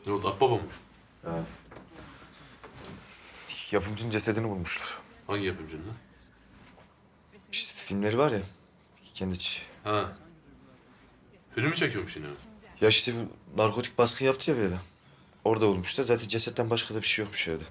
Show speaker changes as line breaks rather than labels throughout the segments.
Ne oldu, Akbaba mı?
Yapımcının cesedini bulmuşlar.
Hangi yapımcının lan?
İşte filmleri var ya, kendi
Ha. Filmi çekiyormuş yine.
Ya işte bir narkotik baskın yaptı ya bir eve. Orada bulmuşlar. Zaten cesetten başka da bir şey yokmuş evde.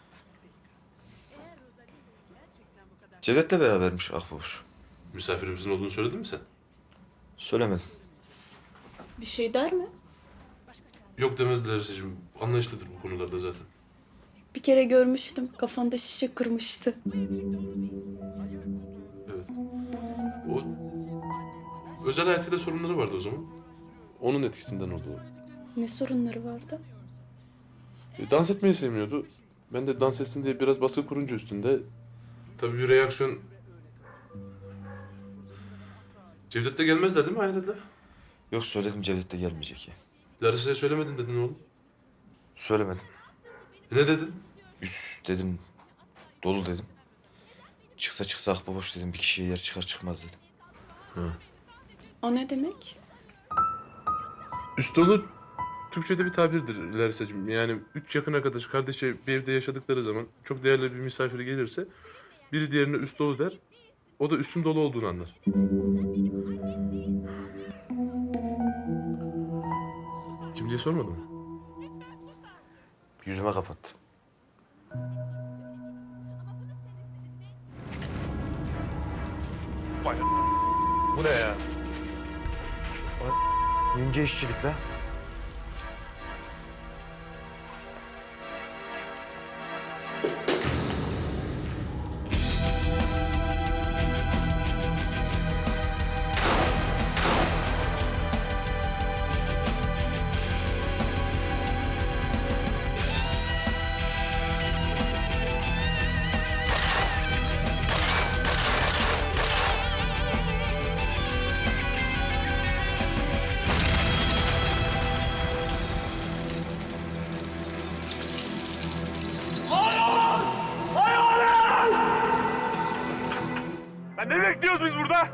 Cevdet'le berabermiş Akbabuş.
Misafirimizin olduğunu söyledin mi sen?
Söylemedim.
Bir şey der mi?
Yok demezler Seçim. Anlayışlıdır bu konularda zaten.
Bir kere görmüştüm. Kafanda şişe kırmıştı.
Evet. O özel hayatıyla sorunları vardı o zaman. Onun etkisinden oldu o.
Ne sorunları vardı?
Dans etmeyi sevmiyordu. Ben de dans etsin diye biraz baskı kurunca üstünde... Tabii bir reaksiyon... Cevdet de gelmezler değil mi hayalete?
Yok söyledim, Cevdet de gelmeyecek ya.
Larissa'ya söylemedim dedin oğlum.
Söylemedim.
Ne dedin?
Üst dedim, dolu dedim. Çıksa Akbabuş dedim, bir kişiye yer çıkar çıkmaz dedim.
O ne demek?
Üst dolu Türkçe'de bir tabirdir Larissa'cığım. Yani üç yakın arkadaş, kardeşe bir evde yaşadıkları zaman çok değerli bir misafir gelirse biri diğerine üst dolu der. O da üstün dolu olduğunu anlar. Kimliği sormadın mı?
Yüzüme kapattı.
Bu ne ya?
İnce işçilik la.
Ben ne bekliyoruz biz burada?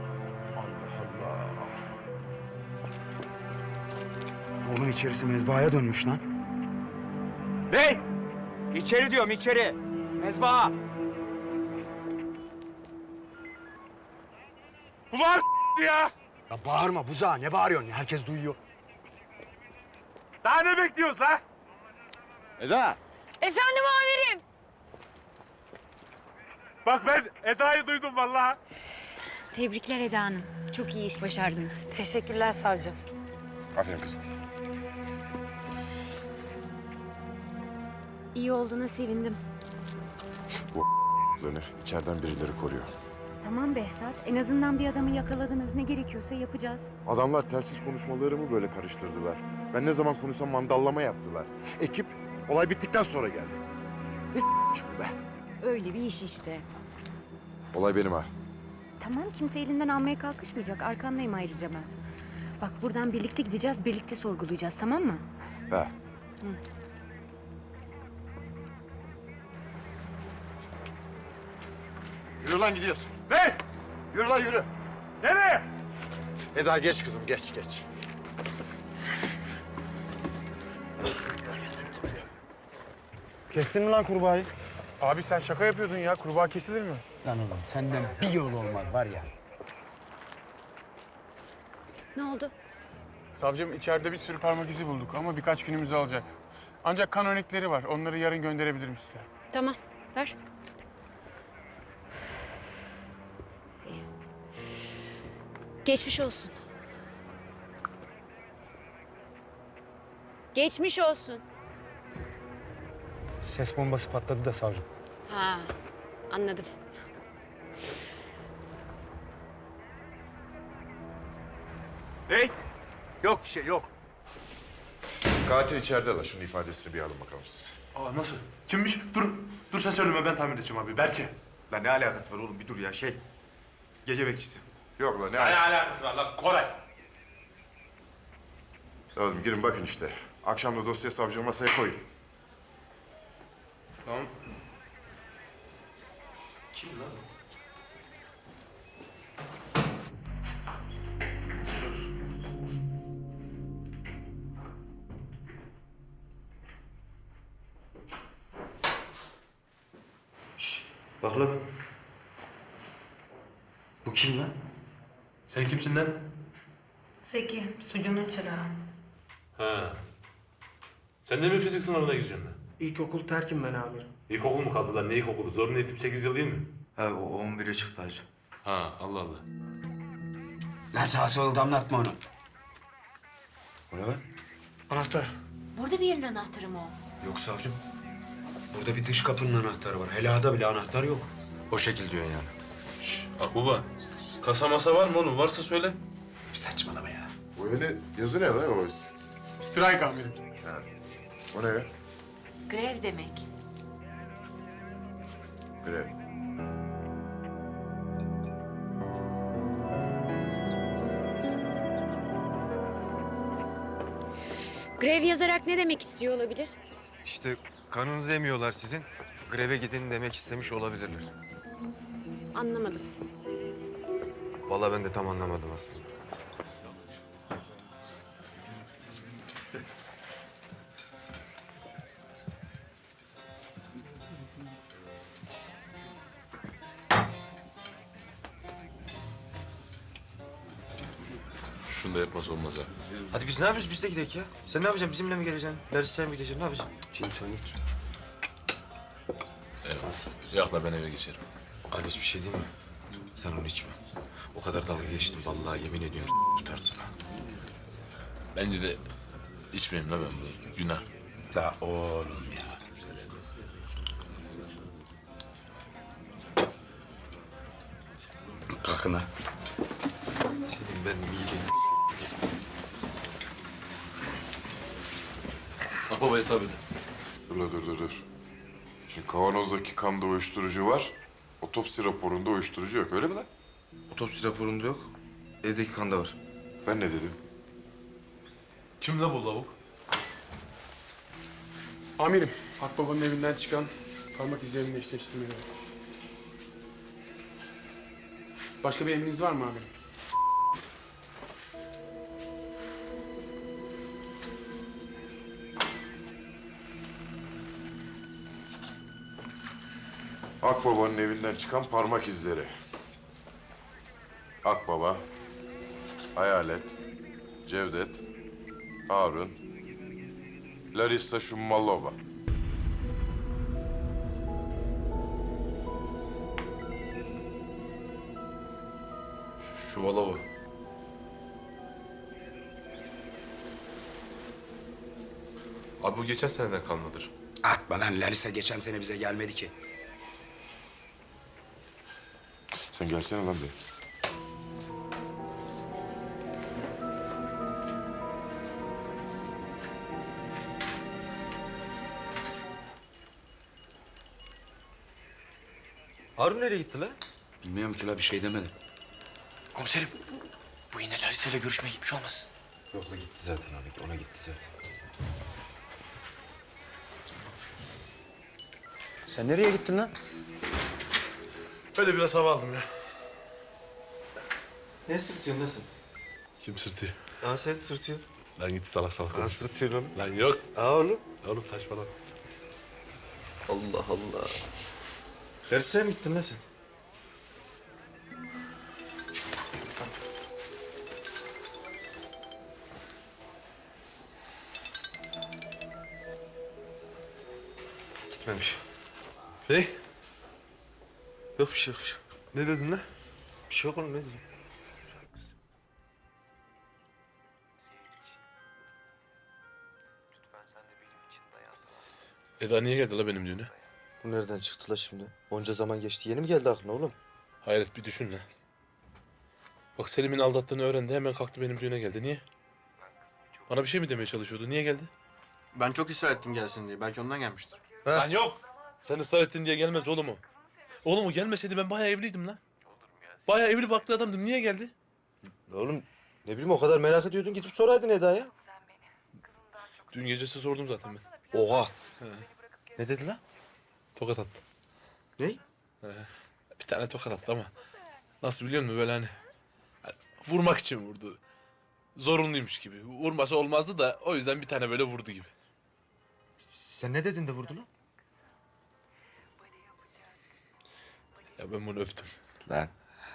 Oğlum içerisi mezbahaya dönmüş lan.
Ne? İçeri diyorum içeri. Mezbaha. Ulan ya.
Ya bağırma buza, ne bağırıyorsun ya? Herkes duyuyor.
Daha ne bekliyoruz la? Eda.
Efendim amirim.
Bak ben Eda'yı duydum vallahi.
Tebrikler Eda Hanım. Çok iyi iş başardınız.
Teşekkürler savcım.
Aferin kızım.
İyi olduğuna sevindim.
İçeriden birileri koruyor.
Tamam Behzat. En azından bir adamı yakaladınız. Ne gerekiyorsa yapacağız.
Adamlar telsiz konuşmalarımı böyle karıştırdılar. Ben ne zaman konuşsam mandallama yaptılar. Ekip olay bittikten sonra geldi. Ne s**miş bu be?
Öyle bir iş işte.
Olay benim ha.
Tamam kimse elinden almaya kalkışmayacak. Arkandayım ayrıca ben. Bak buradan birlikte gideceğiz, birlikte sorgulayacağız tamam mı?
He. Yürü lan gidiyorsun.
Ne?
Yürü lan yürü.
Nereye?
Eda geç kızım geç.
Kestin mi lan kurbağayı?
Abi sen şaka yapıyordun ya. Kurbağa kesilir mi?
Lan oğlum senden bir yol olmaz var ya.
Ne oldu?
Savcım içeride bir sürü parmak izi bulduk ama birkaç günümüzü alacak. Ancak kan örnekleri var. Onları yarın gönderebilirim size.
Tamam, ver. Geçmiş olsun. Geçmiş olsun.
Ses bombası patladı da savcım.
Ha, anladım.
Ne? Yok bir şey yok.
Katil içeride la. Şunun ifadesini bir alın bakalım siz.
Aa nasıl? Kimmiş? Dur sen söyleme ben tahmin edeceğim abi. Berke.
Lan ne alakası var oğlum bir dur ya gece bekçisi.
Yok la ne
Ne alakası var lan Koray?
Oğlum girin bakın işte. Akşam da dosya savcı masaya koyun.
Tamam.
Kim lan?
Bak lan. Bu kim lan?
Sen kimsin lan?
Zeki, sucunun çırağı.
Ha. Sen de mi fizik sınavına gireceksin lan?
İlkokul terkim ben amirim.
İlkokul mu kaldı lan? Ne ilkokulu? Zorunlu eğitim 8 yıl değil mi?
Ha o 11'e çıktı hacı.
Ha, Allah Allah.
Lan sağa oldu anlatma onu.
O ne lan?
Anahtar.
Burada bir yerin anahtarı mı o?
Yok savcım. Burada bir dış kapının anahtarı var. Helada bile anahtar yok.
O şekil diyorsun yani.
Şşş, Akbaba. Kasa masa var mı oğlum? Varsa söyle.
Saçmalama ya.
O öyle yazı ne lan o?
Strike amirim.
O ne ya?
Grev demek.
Grev.
Grev yazarak ne demek istiyor olabilir?
İşte kanınızı emiyorlar sizin. Greve gidin demek istemiş olabilirler.
Anlamadım.
Vallahi ben de tam anlamadım aslında.
Şunu da yapmaz olmaz ha.
Hadi biz ne yapıyoruz? Biz de gidelim ya. Sen ne yapacaksın? Bizimle mi geleceksin? Larissa'ya mı gideceksin? Ne yapacaksın?
Gin tonik.
Yok la ben eve geçerim.
Kardeş bir şey değil mi? Sen onu içme. O kadar dalga geçtim. Vallahi yemin ediyorum tutarsın ha.
Bence de içmeyeyim la ben bu. Günah.
La oğlum ya. Kalkın ha.
Senin ben mideni...
Akbaba hesap edin.
Dur. Şimdi kavanozdaki kanda uyuşturucu var. Otopsi raporunda uyuşturucu yok. Öyle mi lan?
Otopsi raporunda yok. Evdeki kanda var.
Ben ne dedim?
Kim la bu lavuk?
Amirim, Akbaba'nın evinden çıkan parmak izlerini eşleştirmeleri. Başka bir emriniz var mı amirim?
Akbaba'nın evinden çıkan parmak izleri. Akbaba, Hayalet, Cevdet, Harun, Larissa Shummalova.
Şu Valova. Abi bu geçen seneden kalmadır.
Atma lan Larissa geçen sene bize gelmedi ki.
Sen gelsene lan bir.
Harun nereye gitti lan?
Bilmiyorum ki la bir şey demedi.
Komiserim. Bu yine Larissa ile görüşmeye gitmiş olmasın?
Yok la gitti zaten ona gitti zaten.
Sen nereye gittin lan?
Öyle biraz hava aldım ya.
Ne sırtıyorsun lan sen?
Kim sırtıyor?
Aa sen sırtıyorsun.
Lan git salak salak
Aa
konuş.
sırtıyorsun oğlum.
Lan yok.
Aa oğlum.
Oğlum saçmalama.
Allah Allah. Larissa'ya mı gittin lan sen? Gitmemiş.
Ne?
Yok bir şey yok.
Ne dedin lan?
Bir şey yok oğlum ne diyeyim?
Eda niye geldi la benim düğüne?
Bu nereden çıktı la şimdi? Onca zaman geçti. Yeni mi geldi aklına oğlum?
Hayret bir düşün lan. Bak Selim'in aldattığını öğrendi hemen kalktı benim düğüne geldi. Niye? Bana bir şey mi demeye çalışıyordu? Niye geldi?
Ben çok ısrar ettim gelsin diye. Belki ondan gelmiştir.
Lan yok. Sen ısrar ettin diye gelmez oğlum o. Oğlum o gelmeseydi ben bayağı evliydim lan. Bayağı evli barklı adamdım. Niye geldi?
Oğlum ne bileyim o kadar merak ediyordun gidip soraydın Eda'ya.
Dün gecesi sordum zaten ben.
Oha. Ne dedi lan?
Tokat attı.
Ne?
Bir tane tokat attı ama nasıl biliyor musun böyle hani vurmak için vurdu. Zorunluymuş gibi. Vurması olmazdı da o yüzden bir tane böyle vurdu gibi.
Sen ne dedin de vurdu lan?
Ya ben bunu öptüm.
Lan.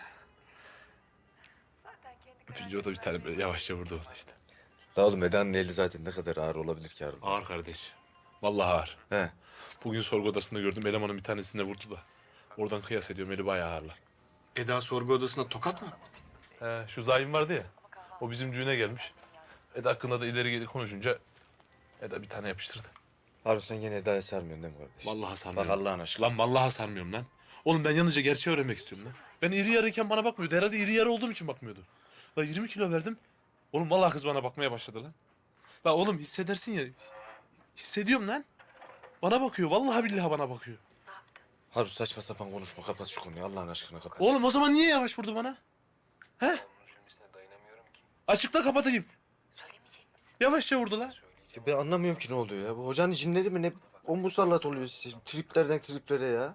Öpünce o da bir tane böyle yavaşça vurdu bana işte.
La oğlum Eda'nın eli zaten ne kadar ağır olabilir ki Harun?
Ağır kardeş. Vallahi ağır.
He.
Bugün sorgu odasında gördüm elemanın bir tanesine vurdu da. Oradan kıyas ediyorum eli bayağı ağırlar.
Eda sorgu odasına tokat mı attı?
He, şu zalim vardı ya. O bizim düğüne gelmiş. Eda hakkında da ileri geri konuşunca Eda bir tane yapıştırdı.
Harun sen gene Eda'ya sarmıyorsun değil mi kardeş?
Vallahi sarmıyorum.
Bak Allah'ın aşkına.
Lan vallahi sarmıyorum lan. Oğlum ben yalnızca gerçeği öğrenmek istiyorum lan. Ben iri yarıyken bana bakmıyordu. Herhalde iri yarı olduğum için bakmıyordu. La 20 kilo verdim. Oğlum vallahi kız bana bakmaya başladı lan. La oğlum hissedersin ya. Hissediyorum lan. Bana bakıyor. Vallahi billahi bana bakıyor.
Harun saçma sapan konuşma. Kapat şu konuyu Allah'ın aşkına kapat.
Oğlum o zaman niye yavaş vurdu bana? He? Açıkla kapatayım. Yavaşça vurdu lan.
Ya ben anlamıyorum ki ne oluyor ya. Bu hocanın cinleri mi ne? O musallat oluyor size. Triplerden triplere ya.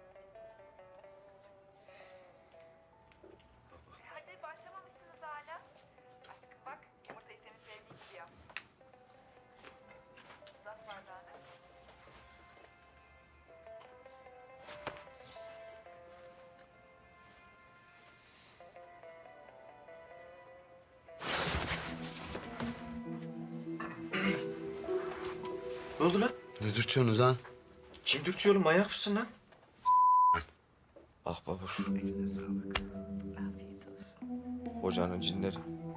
Hadi başlamamışsınız hala. Aşkım bak yumurtayı senin sevdiğin gibi yap. Uzat bardağını.
Ne oldu lan?
Ne dürtüyorsunuz lan?
Kim dürtüyor oğlum? Manyak mısın lan? Ah babuş. Hocanın cinleri.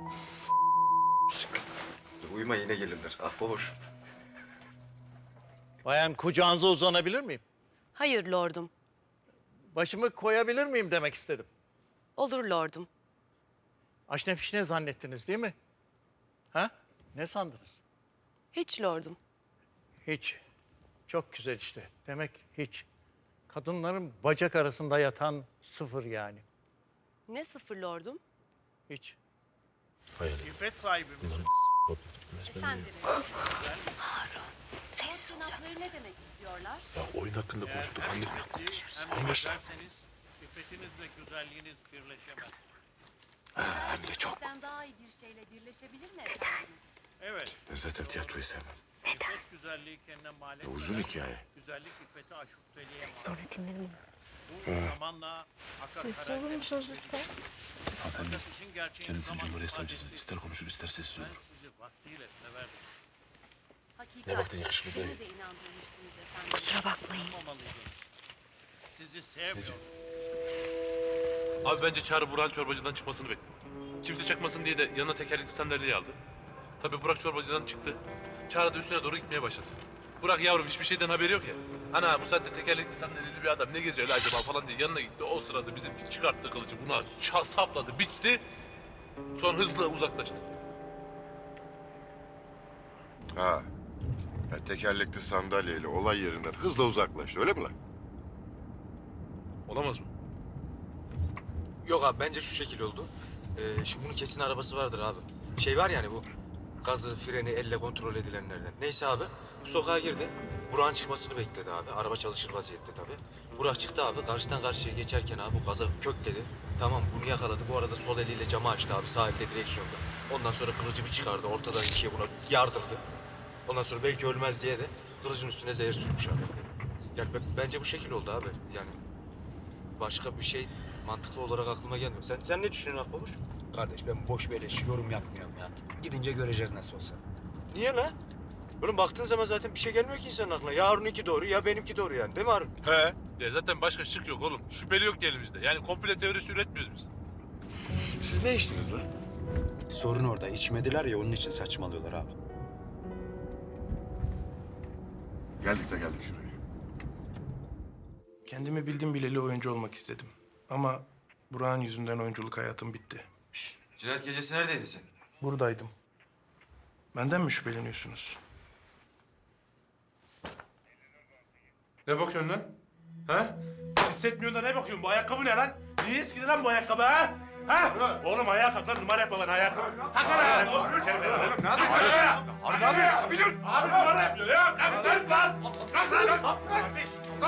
Dur, uyuma yine gelirler. Ah babuş.
Bayan kucağınıza uzanabilir miyim?
Hayır lordum.
Başımı koyabilir miyim demek istedim.
Olur lordum.
Aşne fişne zannettiniz değil mi? Ha? Ne sandınız?
Hiç lordum.
Hiç. Çok güzel işte. Demek hiç. Kadınların bacak arasında yatan sıfır yani.
Ne sıfır lordum?
Hiç.
Hayır.
İffet sahibi misiniz?
Efendim. Ses tırnakları ne demek istiyorlar?
Ya oyun hakkında konuştuk. Anne.
Anlaştık. İffetinizle güzelliğiniz birleşemez.
Hem de çok.
Ben daha iyi bir şeyle birleşebilir mi efendimiz?
Evet.
Ben zaten tiyatroyu sevmem.
İffet güzelliği kendine mal etmeden
Uzun hikaye.
güzellik iffeti aşufteliğe mal.
Sonra dinlerim.
Bu zamanla
Sessiz olur musunuz lütfen?
Hanımefendi, kendisi Cumhuriyet Savcısı. İster konuşur ister sessiz olur.
sizi vaktiyle severdim.
Hakikat.
Ne baktın yakışıklı
Beni
değil.
de inandırmıştınız efendim.
Kusura bakmayın.
Olmalıydım. Sizi sevmiyorum.
Abi bence Çağrı Burhan çorbacıdan çıkmasını bekliyor. Kimse çakmasın diye de yanına tekerlekli sandalyeyi aldı. Tabii Burak çorbacıdan çıktı. Çağrı da üstüne doğru gitmeye başladı. Burak yavrum hiçbir şeyden haberi yok ya. Ana bu saatte tekerlekli sandalyeli bir adam ne geziyor la acaba falan diye yanına gitti. O sırada bizimki çıkarttı kılıcı buna sapladı, biçti. Sonra hızla uzaklaştı.
Ha. Ya tekerlekli sandalyeyle olay yerinden hızla uzaklaştı öyle mi lan?
Olamaz mı?
Yok abi bence şu şekil oldu. Şimdi bunun kesin arabası vardır abi. Şey var yani bu gazı, freni elle kontrol edilenlerden. Neyse abi bu sokağa girdi. Burak'ın çıkmasını bekledi abi. Araba çalışır vaziyette tabii. Burak çıktı abi. Karşıdan karşıya geçerken abi bu gaza kök dedi. Tamam bunu yakaladı. Bu arada sol eliyle camı açtı abi. Sağ elde direksiyonda. Ondan sonra kılıcı bir çıkardı. Ortadan ikiye buna yardırdı. Ondan sonra belki ölmez diye de kılıcın üstüne zehir sürmüş abi. Yani bence bu şekil oldu abi. Yani başka bir şey mantıklı olarak aklıma gelmiyor. Sen ne düşünüyorsun Akbabuş?
Kardeş ben boş beleş yorum yapmıyorum ya. Gidince göreceğiz nasıl olsa.
Niye lan? Oğlum baktığın zaman zaten bir şey gelmiyor ki insanın aklına. Ya Harun'unki doğru ya benimki doğru yani. Değil mi Harun?
He. Ya zaten başka şık yok oğlum. Şüpheli yok ki elimizde. Yani komple teorisi üretmiyoruz biz.
Siz ne içtiniz lan?
Sorun orada. İçmediler ya onun için saçmalıyorlar abi.
Geldik şuraya.
Kendimi bildim bileli oyuncu olmak istedim. Ama Burak'ın yüzünden oyunculuk hayatım bitti.
Cinayet gecesi neredeydin sen?
Buradaydım. Benden mi şüpheleniyorsunuz?
Ne bakıyorsun lan? Ha? Hissetmiyorsun da ne bakıyorsun? Bu ayakkabı ne lan? Niye eskidi lan bu ayakkabı ha? Ha? Oğlum ayağa kalk lan numara yapma lan ayağa kalk. Kalk lan ayağa. Oğlum ne yapıyorsun? Abi ne yapıyorsun? Bir dur. Abi numara yapıyor ya. Kalk lan. Kalk lan. Kardeş.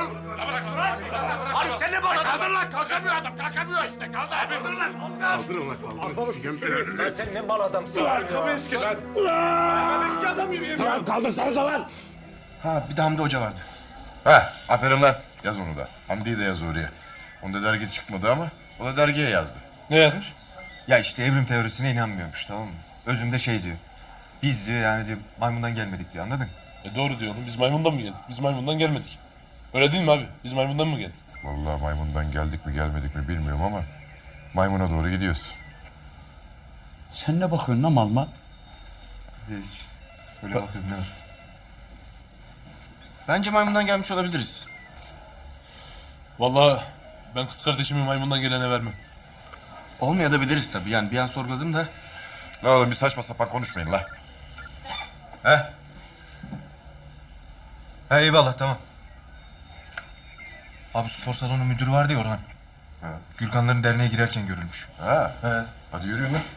Abi sen ne bakıyorsun? Kaldır lan. Kalkamıyor adam. Kalkamıyor işte. Kaldır. Abi dur lan.
Kaldırın lan kaldırın.
Sen ne mal adamsın
Ayakkabı eski lan.
Ayakkabı eski adam yürüyemiyor. Kaldırsanıza lan.
Ha bir de Hamdi Hoca vardı.
Ha aferin lan. Yaz onu da. Hamdi'yi de yaz oraya. Onda dergi çıkmadı ama o da dergiye yazdı.
Ne yazmış?
Ya işte evrim teorisine inanmıyormuş, tamam mı? Özünde şey diyor. Biz diyor yani diyor maymundan gelmedik diyor, anladın?
Doğru diyor oğlum. Biz maymundan mı geldik? Biz maymundan gelmedik. Öyle değil mi abi? Biz maymundan mı geldik?
Vallahi maymundan geldik mi gelmedik mi bilmiyorum ama maymuna doğru gidiyoruz.
Sen ne bakıyorsun lan mal mal?
Hiç. Öyle bakıyorum ne var?
Bence maymundan gelmiş olabiliriz.
Vallahi ben kız kardeşimi maymundan gelene vermem.
Olmayabiliriz tabii yani bir an sorguladım da.
La oğlum bir saçma sapan konuşmayın la.
He? He eyvallah tamam. Abi spor salonu müdürü vardı ya Orhan.
Ha.
Gürkanların derneğe girerken görülmüş.
Ha.
He.
Hadi yürüyün lan.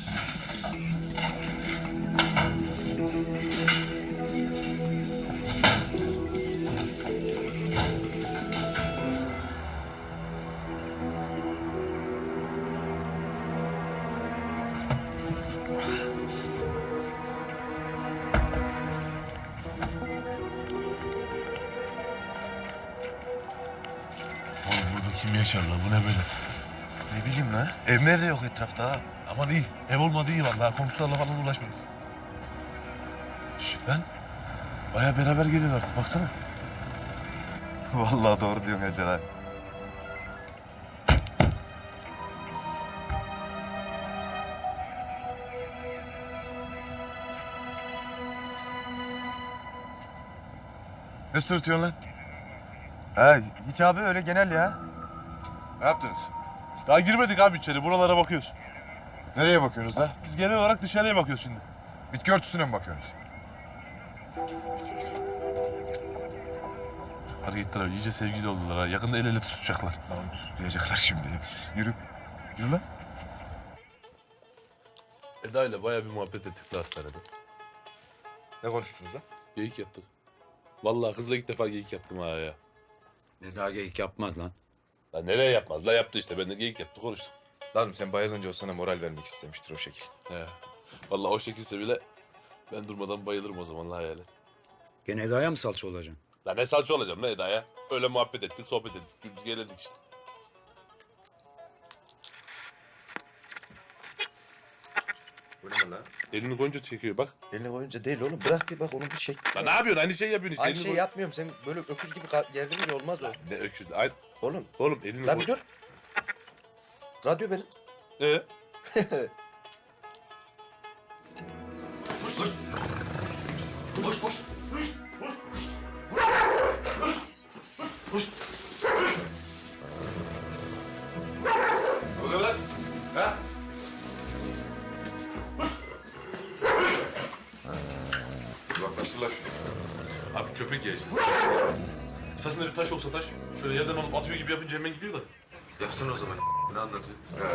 Oğlum burada kim yaşar lan? Bu ne böyle?
Ne bileyim la. Ev de yok etrafta ha.
Aman iyi. Ev olmadı iyi vallahi. Komşularla falan uğraşmayız. Şş, lan. Baya beraber geliyor artık. Baksana.
Vallahi doğru diyorsun Hacer abi.
Ne sırıtıyorsun lan?
He hiç abi öyle genel ya.
Ne yaptınız?
Daha girmedik abi içeri. Buralara bakıyoruz.
Nereye bakıyorsunuz la?
Biz genel olarak dışarıya bakıyoruz şimdi.
Bitki örtüsüne mi bakıyorsunuz?
Hareketler abi. İyice sevgili oldular ha. Yakında el ele tutuşacaklar.
Duyacaklar şimdi. Yürü. Yürü lan.
Eda ile bayağı bir muhabbet ettik la hastanede.
Ne konuştunuz lan?
Geyik yaptık. Vallahi kızla ilk defa geyik yaptım ha ya.
Ne daha geyik yapmaz lan.
La nereye yapmaz? La yaptı işte. Ben de geyik yaptı konuştuk.
Lan sen bayılınca o sana moral vermek istemiştir o şekil.
He. Vallahi o şekilse bile ben durmadan bayılırım o zaman la hayalet.
Gene Eda'ya mı salça olacaksın?
La ne salça olacağım la Eda'ya? Öyle muhabbet ettik, sohbet ettik. Güldük, eğlendik işte.
Bu ne lan?
Elini koyunca çekiyor bak.
Eline koyunca değil oğlum. Bırak bir bak onu bir çek.
La ne yapıyorsun? Aynı şey yapıyorsun işte.
Aynı
Elini
şey
koy-
yapmıyorum. Sen böyle öküz gibi gerdirince olmaz o.
Ne öküz? Ay,
Oğlum.
oğlum elini
Lan
koy.
bir dur. Radyo benim.
Ne oluyor lan? Ha? Uzaklaştırlar şunu.
Abi köpek ya işte. Esasında bir taş olsa taş. Şöyle yerden alıp atıyor gibi yapınca hemen gidiyor da.
Yapsana o zaman. Ne anlatıyor?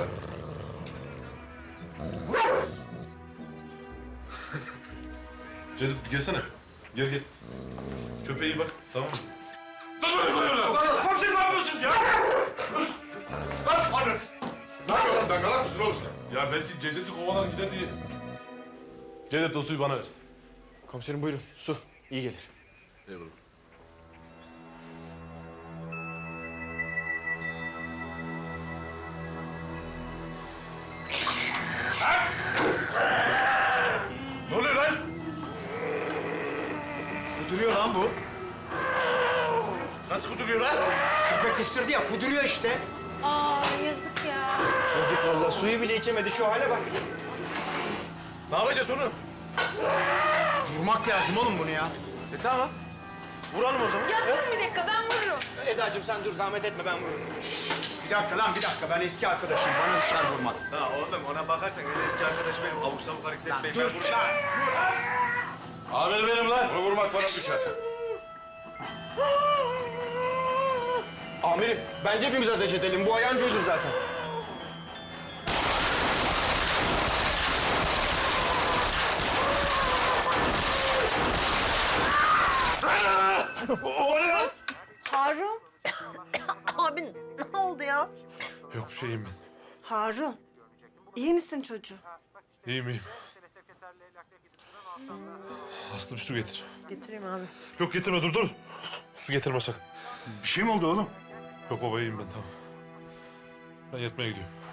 Cevdet gelsene. Gel gel. Köpeğe iyi bak tamam mı?
Komiserim ne yapıyorsunuz ya? Lan anne. Ne yapıyorsun lan? Dangalak mısın oğlum sen?
Ya belki Cevdet'i kovalar gider diye. Cevdet o suyu bana ver.
Komiserim buyurun. Su. İyi gelir.
Eyvallah. Ne oluyor lan?
Kuduruyor lan bu.
Nasıl kuduruyor lan?
Köpek ısırdı ya kuduruyor işte.
Aa yazık ya.
Yazık vallahi suyu bile içemedi şu hale bak.
Ne yapacağız onu?
Vurmak lazım oğlum bunu ya.
Tamam. Vuralım o zaman.
Ya durun bir dakika ben vururum.
Eda'cığım sen dur zahmet etme ben vururum. Bir dakika lan bir dakika ben eski arkadaşım bana düşer vurmak.
Ha oğlum ona bakarsan en eski arkadaş benim. Abuk sabuk hareket etmeyin.
Dur Şahin dur.
Amir benim lan.
Bunu vurmak bana düşer.
Amirim bence hepimiz ateş edelim bu ayancı ölür zaten.
Harun. Abi ne oldu ya?
Yok bir şeyim ben.
Harun. İyi misin çocuğum?
İyiyim iyiyim. Aslı bir su getir.
Getireyim abi.
Yok getirme dur dur. Su getirme sakın.
Bir şey mi oldu oğlum?
Yok baba iyiyim ben tamam. Ben yatmaya gidiyorum.